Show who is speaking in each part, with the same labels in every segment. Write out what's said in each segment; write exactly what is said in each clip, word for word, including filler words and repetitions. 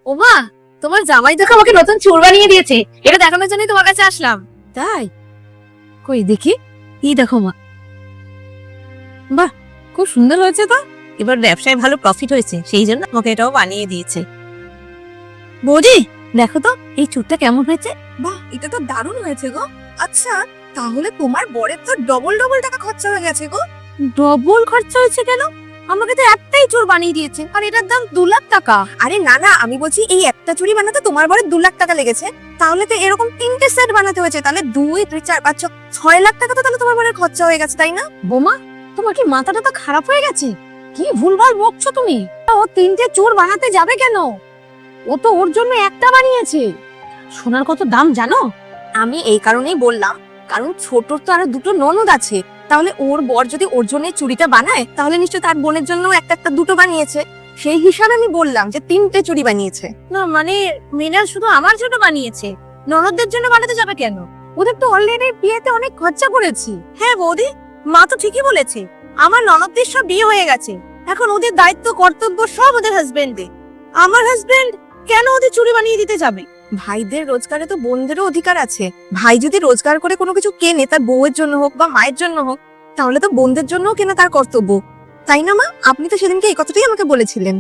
Speaker 1: ও মা, তোমার জামাই দেখো আমাকে নতুন চুল বানিয়ে দিয়েছে, এটা দেখানোর জন্যই তোমার কাছে আসলাম।
Speaker 2: তাই? কই দেখি। এই দেখো মা, বাহ, খুব সুন্দর হয়েছে তো। এবার ব্যবসায় ভালো প্রফিট হয়েছে, সেই জন্য আমাকে এটাও বানিয়ে দিয়েছে। বৌদি দেখো তো এই চুলটা কেমন হয়েছে।
Speaker 3: বাহ, এটা তো দারুণ হয়েছে গো। আচ্ছা, তাহলে তোমার বরের তো ডবল ডবল টাকা খরচা হয়ে গেছে গো।
Speaker 2: ডবল খরচা হয়েছে কেন? আমাকে তো একটাই চুল বানিয়ে দিয়েছে, আর এটার দাম দু লাখ টাকা।
Speaker 3: আরে না না, আমি বলছি এই একটা চুড়ি বানাতে তোমার বরের দু লাখ টাকা লেগেছে, তাহলে তো এরকম তিনটে সেট বানাতে হয়েছে, তাহলে দুই দুই চার পাঁচ ছ- ছয় লাখ টাকা তো তাহলে তোমার বরের খরচা হয়ে গেছে, তাই না?
Speaker 2: বোমা, তোমার কি মাথাটা তো খারাপ হয়ে গেছে? কি ভুলভাল বকছো তুমি। ও তিনটে চুল বানাতে যাবে কেন? ও তো ওর জন্য একটা বানিয়েছে। সোনার কত দাম জানো?
Speaker 3: আমি এই কারণেই বললাম, কারণ ছোটর তো আরো দুটো ননদ আছে, তাহলে ওর বর যদি ওর জন্য এই চুড়িটা বানায়, তাহলে নিশ্চয় তার বোনের জন্য একটা একটা দুটো বানিয়েছে। সেই হিসাবে আমি বললাম যে তিনটে চুড়ি বানিয়েছে।
Speaker 2: না মানে মৃণাল শুধু আমার জন্য বানিয়েছে, ননদদের জন্য বানাতে যাবে কেন? ওদের তো অলরেডি বিয়েতে অনেক খরচা করেছি।
Speaker 3: হ্যাঁ বৌদি, মা তো ঠিকই বলেছে, আমার ননদদের সব বিয়ে হয়ে গেছে, এখন ওদের দায়িত্ব কর্তব্য সব ওদের হাজবেন্ডে। আমার হাজবেন্ড কেন ওদের চুড়ি বানিয়ে দিতে যাবে? ভাইদের রোজগারে তো বোনদেরও অধিকার আছে। ভাই যদি রোজগার করে কোনো কিছু কেনে, তার বউয়ের জন্য হোক বা মায়ের জন্য হোক, তাহলে তো বোনদের জন্যও কেনা তার কর্তব্য, তাই না মা? আপনি তো সেদিনকে এই কথাটাই আমাকে বলেছিলেন।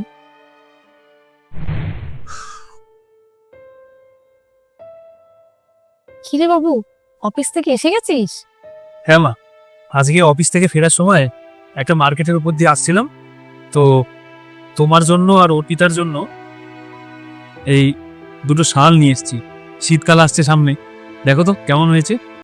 Speaker 2: কিরে বাবু, অফিস থেকে এসে গেছিস?
Speaker 4: হ্যাঁ মা, আজকে অফিস থেকে ফেরার সময় একটা মার্কেটের উপর দিয়ে আসছিলাম, তো তোমার জন্য আর অর্পিতার জন্য এই দুটো শাল নিয়ে এসেছি। শীতকাল আসছে সামনে, দেখো তো কেমন হয়েছে।